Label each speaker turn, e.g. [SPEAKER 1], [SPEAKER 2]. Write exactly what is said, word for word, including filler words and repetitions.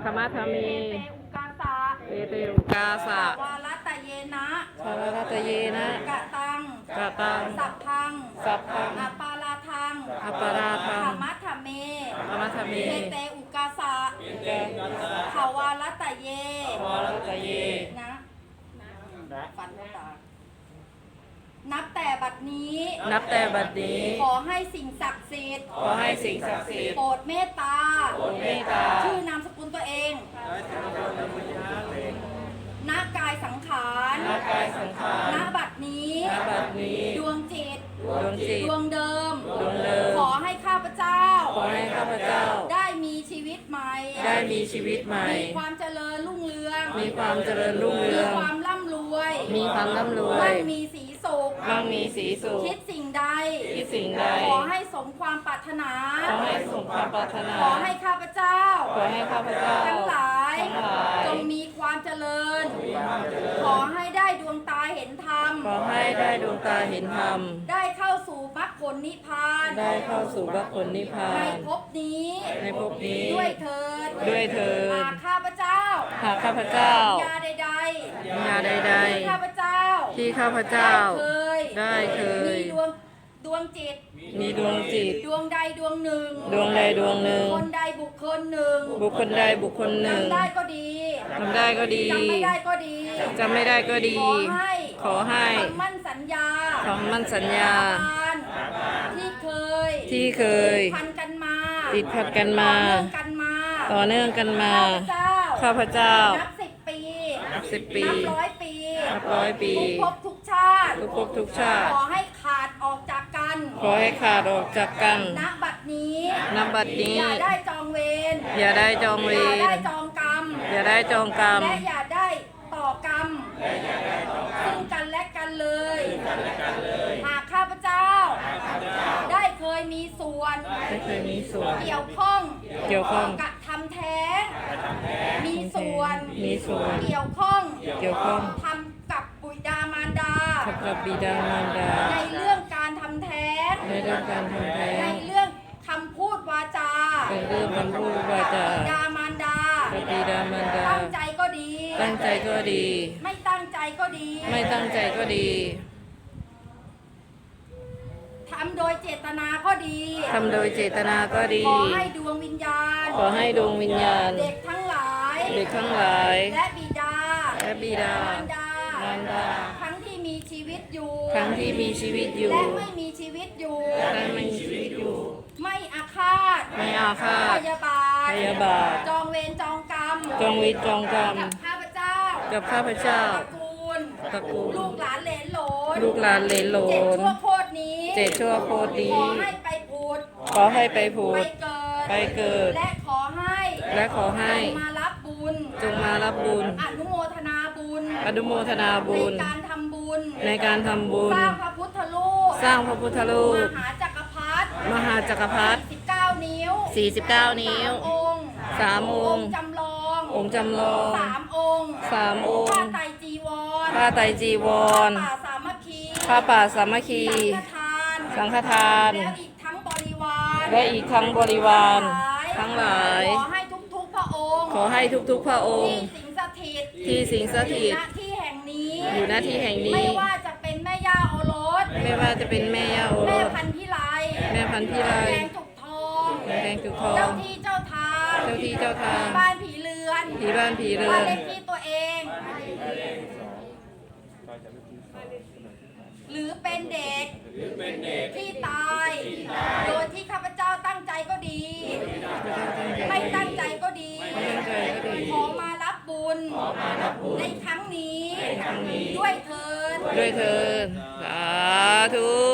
[SPEAKER 1] รรมะธรรมี
[SPEAKER 2] เตอุกาสะ
[SPEAKER 1] เอเตอุกาสะ
[SPEAKER 2] วารัตเยนะ
[SPEAKER 1] ชาวรัตเยนะ
[SPEAKER 2] กะตัง
[SPEAKER 1] กะตัง
[SPEAKER 2] สัพพัง
[SPEAKER 1] สัพพัง
[SPEAKER 2] อปาราทัง
[SPEAKER 1] อปาราทัง
[SPEAKER 2] ธรรมะธรรมเม
[SPEAKER 1] ธรรมะธรรมี
[SPEAKER 2] เทเตอุกาสะ
[SPEAKER 1] แก
[SPEAKER 2] ขาวารัตเย
[SPEAKER 1] วารัตเย
[SPEAKER 2] นะฟันตานับแต่บัดนี้
[SPEAKER 1] นับแต่บัดนี้
[SPEAKER 2] ขอให้สิ่งศักดิ์สิทธิ์
[SPEAKER 1] ขอให้สิ่งศักดิ์สิทธิ์
[SPEAKER 2] โปรดเมตตา
[SPEAKER 1] โปรดเมตตา
[SPEAKER 2] ชื่อนามสกุลตัวเองณกายสังขาร
[SPEAKER 1] ณกายสังขาร
[SPEAKER 2] ณบัดนี้
[SPEAKER 1] ณบัดนี้
[SPEAKER 2] ดวงจิต
[SPEAKER 1] ดวงจิต
[SPEAKER 2] ดวงเดิม
[SPEAKER 1] ดวงเดิม
[SPEAKER 2] ขอให้ข้าพเจ้า
[SPEAKER 1] ขอให้ข้าพเจ้า
[SPEAKER 2] ได้มีชีวิตใหม่
[SPEAKER 1] ได้มีชีวิตใหม่
[SPEAKER 2] มีความเจริญรุ่งเรือง
[SPEAKER 1] มีความเจริญรุ่ง
[SPEAKER 2] มี
[SPEAKER 1] เรือง
[SPEAKER 2] ความร่ำรวย
[SPEAKER 1] มีความร่ำรว
[SPEAKER 2] มั่
[SPEAKER 1] ย
[SPEAKER 2] งมีสีสุข
[SPEAKER 1] มั่งมีสีสุข
[SPEAKER 2] คิดสิ่งใด
[SPEAKER 1] คิดสิ่งใด
[SPEAKER 2] ขอให้สมความปรารถนา
[SPEAKER 1] ขอให้สมความปรารถนา
[SPEAKER 2] ขอให้ข้าพเจ้า
[SPEAKER 1] ขอให้ข้าพเจ้า
[SPEAKER 2] ทั้งหลาย
[SPEAKER 1] ทั้งหลาย
[SPEAKER 2] จงมีความเจริญ ขอให้ได้ดวงตาเห็นธรรม
[SPEAKER 1] ขอให้ได้ดวงตาเห็นธรรม
[SPEAKER 2] ได้เข้าสู่มรรคผลนิพพาน
[SPEAKER 1] ได้เข้าสู่มรรคผลนิพพา
[SPEAKER 2] ใน
[SPEAKER 1] น
[SPEAKER 2] ภพนี้
[SPEAKER 1] ในภพนี้
[SPEAKER 2] ด้วยเถิด
[SPEAKER 1] ด้วยเถิด
[SPEAKER 2] หากข้าพเจ้า
[SPEAKER 1] หากข้าพเจ้า
[SPEAKER 2] ยาใด
[SPEAKER 1] งานใด
[SPEAKER 2] ๆที่ข้าพเจ้า
[SPEAKER 1] ๆ ที่ข้าพเจ้า
[SPEAKER 2] เคย
[SPEAKER 1] ได้เคย
[SPEAKER 2] มีดวงดวงจิต
[SPEAKER 1] มีดวงจิต
[SPEAKER 2] ดวงใดดวงหนึ่ง
[SPEAKER 1] ดวงใดดวงหนึ่ง
[SPEAKER 2] คนใดบุคคลหนึ่ง
[SPEAKER 1] บุคคลใดบุคคลหนึ่ง
[SPEAKER 2] จำได้ก็ดี
[SPEAKER 1] ทำได้ก็ดี
[SPEAKER 2] จำไม่ได้ก็ดี
[SPEAKER 1] จำไม่ได้ก็ดี
[SPEAKER 2] ขอให้
[SPEAKER 1] ขอให้
[SPEAKER 2] คำมั่นสัญญา
[SPEAKER 1] คำมั่นสัญญา
[SPEAKER 2] ทานที่เคย
[SPEAKER 1] ที่เคย
[SPEAKER 2] พันกันมา
[SPEAKER 1] ติดพัดกันมา
[SPEAKER 2] ต่อเนื่องกันมา
[SPEAKER 1] ต่อเนื่องกันมา
[SPEAKER 2] ข้าพเจ้า
[SPEAKER 1] ข้าพเจ้า
[SPEAKER 2] นับสิบปี
[SPEAKER 1] นับสิบปี
[SPEAKER 2] นับร้อยปี
[SPEAKER 1] นับร้อยปี
[SPEAKER 2] ทุกภพทุกชาติ
[SPEAKER 1] ทุกภพทุกชาติ
[SPEAKER 2] ขอให้ขาดออกจากกัน
[SPEAKER 1] ขอให้ขาดออกจากกัน
[SPEAKER 2] ณบัดนี้
[SPEAKER 1] ณบัดนี้
[SPEAKER 2] อย่าได้จองเวร
[SPEAKER 1] อย่าได้จองเว
[SPEAKER 2] อย่าร ได้จองกรรม
[SPEAKER 1] อย่าได้จองกรรม
[SPEAKER 2] และอย่าได้ต่อกรรมซึ่งกันและกันเลย หากข้าพเจ้า ได้เคยมีส่วน
[SPEAKER 1] ไม่เคยมีส่วน
[SPEAKER 2] เกี่ยวข้อง
[SPEAKER 1] เกี่ยวข้อง
[SPEAKER 2] กับทำแท้งมีส่วน
[SPEAKER 1] มีส่วน
[SPEAKER 2] เกี่ยวข้อง
[SPEAKER 1] เกี่ยวข้อง
[SPEAKER 2] ทำกับบุตรดามารดา
[SPEAKER 1] กับบิดามารดา
[SPEAKER 2] ในเรื่องการทำแท้ง
[SPEAKER 1] ในเรื่องการทำแท้
[SPEAKER 2] ใน
[SPEAKER 1] ง
[SPEAKER 2] เรื่องคำพูดวาจา
[SPEAKER 1] เป็นเรื่องคำพูดวาจา
[SPEAKER 2] บิดามารดา
[SPEAKER 1] กับบิดามารดา
[SPEAKER 2] ตั้งใจก็ดี
[SPEAKER 1] ตั้งใจก็ดี
[SPEAKER 2] ไม่ตั้งใจก็ดี
[SPEAKER 1] ไม่ตั้งใจก็ดี
[SPEAKER 2] ทำโดยเจตนาก็ดี
[SPEAKER 1] ทำโดยเจตนาก็ดี
[SPEAKER 2] ขอให้ดวงวิญญาณ
[SPEAKER 1] ขอให้ดวงวิญญาณ
[SPEAKER 2] เด็กทั้งหลาย
[SPEAKER 1] เด็กทั้งหลาย
[SPEAKER 2] และบิดา
[SPEAKER 1] และบิดาม
[SPEAKER 2] ารดาม
[SPEAKER 1] ารดา
[SPEAKER 2] ทั้งที่มีชีวิตอยู่
[SPEAKER 1] ทั้งที่มีชีวิตอยู่
[SPEAKER 2] และไม่มีชีวิตอยู่
[SPEAKER 1] และไม่มีชีวิตอยู่
[SPEAKER 2] ไม่อาฆาต
[SPEAKER 1] ไม่อาฆา
[SPEAKER 2] พ
[SPEAKER 1] ต
[SPEAKER 2] ยาบาท
[SPEAKER 1] พยาบาท
[SPEAKER 2] จองเวรจองกรรม
[SPEAKER 1] จองเวรจองกรรม
[SPEAKER 2] กับข้าพเจ้า
[SPEAKER 1] กับข้าพเจ้า
[SPEAKER 2] ตระกูล
[SPEAKER 1] ตระกูล
[SPEAKER 2] ลูกหลานเหลนโหลน
[SPEAKER 1] ลูกหลานเหลนโหล
[SPEAKER 2] เจ็ด
[SPEAKER 1] น
[SPEAKER 2] ชั่วโคตรนี้
[SPEAKER 1] เจ็ดชั่วโคตรดี
[SPEAKER 2] ขอให้ไปผุด
[SPEAKER 1] ขอให้ไปผู
[SPEAKER 2] ไป
[SPEAKER 1] ด
[SPEAKER 2] เกิด
[SPEAKER 1] ไปเกิด
[SPEAKER 2] และขอให้
[SPEAKER 1] และขอให้
[SPEAKER 2] จงมารับบุญ
[SPEAKER 1] จงมารับบุญ
[SPEAKER 2] อนุโมทนาบุญ
[SPEAKER 1] อนุโมทนาบุญ
[SPEAKER 2] ในการทำบุญ
[SPEAKER 1] ในการทำบุญ
[SPEAKER 2] สร้างพระพุทธรูป
[SPEAKER 1] สร้างพระพุทธรูป
[SPEAKER 2] มหาจักรพรรดิ
[SPEAKER 1] มหาจักรพรรดิ
[SPEAKER 2] สิบเก้านิ้ว
[SPEAKER 1] สี่สิบเก้านิ้ว
[SPEAKER 2] สามองค์
[SPEAKER 1] สามองค์
[SPEAKER 2] จำลอง
[SPEAKER 1] องค์จำลอง
[SPEAKER 2] สามองค์
[SPEAKER 1] สามอง
[SPEAKER 2] ผ้า
[SPEAKER 1] ค์
[SPEAKER 2] ไตรจีวร
[SPEAKER 1] ผ้าไตรจีวร
[SPEAKER 2] ผ้าป่าสามัคคี
[SPEAKER 1] ผ้าป่าสามัคคี
[SPEAKER 2] สังฆทาน
[SPEAKER 1] สังฆทาน
[SPEAKER 2] แล้วอีกทั้งบริวาร
[SPEAKER 1] และอีกทั้งบริวาร ทั้งหลาย
[SPEAKER 2] ขอให้ทุกๆพระองค์
[SPEAKER 1] ขอให้ทุกๆพระองค์
[SPEAKER 2] ที่สิงสถิต
[SPEAKER 1] ที่สิงสถิต
[SPEAKER 2] ณที่แห่งนี้
[SPEAKER 1] อยู่ณที่แห่ง
[SPEAKER 2] ไม่
[SPEAKER 1] นี้
[SPEAKER 2] ว่าจะเป็นแม่ย่าโอรส
[SPEAKER 1] ไม่ว่าจะเป็นแม่ย่าโอร
[SPEAKER 2] แม่
[SPEAKER 1] ส
[SPEAKER 2] พันธุ์พิไล
[SPEAKER 1] แม่พันธุ์พิไล
[SPEAKER 2] แดงจุกทอง
[SPEAKER 1] แม่แดงจุกทอง
[SPEAKER 2] เจ้าที่เจ้าทาง
[SPEAKER 1] เจ้าที่เจ้าทาง
[SPEAKER 2] บ้านผีเรือน
[SPEAKER 1] ผีบ้านผีเรื
[SPEAKER 2] บ้า
[SPEAKER 1] อน น
[SPEAKER 2] เลขที่ตัวเอง หรือเป็นเด็กที่ตาย โดยที่ข้าพเจ้าตั้งใจก็ดี ไม่ตั้งใจก็ดี
[SPEAKER 1] ตั้งใจก็ดี
[SPEAKER 2] ขอมารับบุญในครั้งนี้ ด้วยเถิด
[SPEAKER 1] ด้วยเถิดสาธุ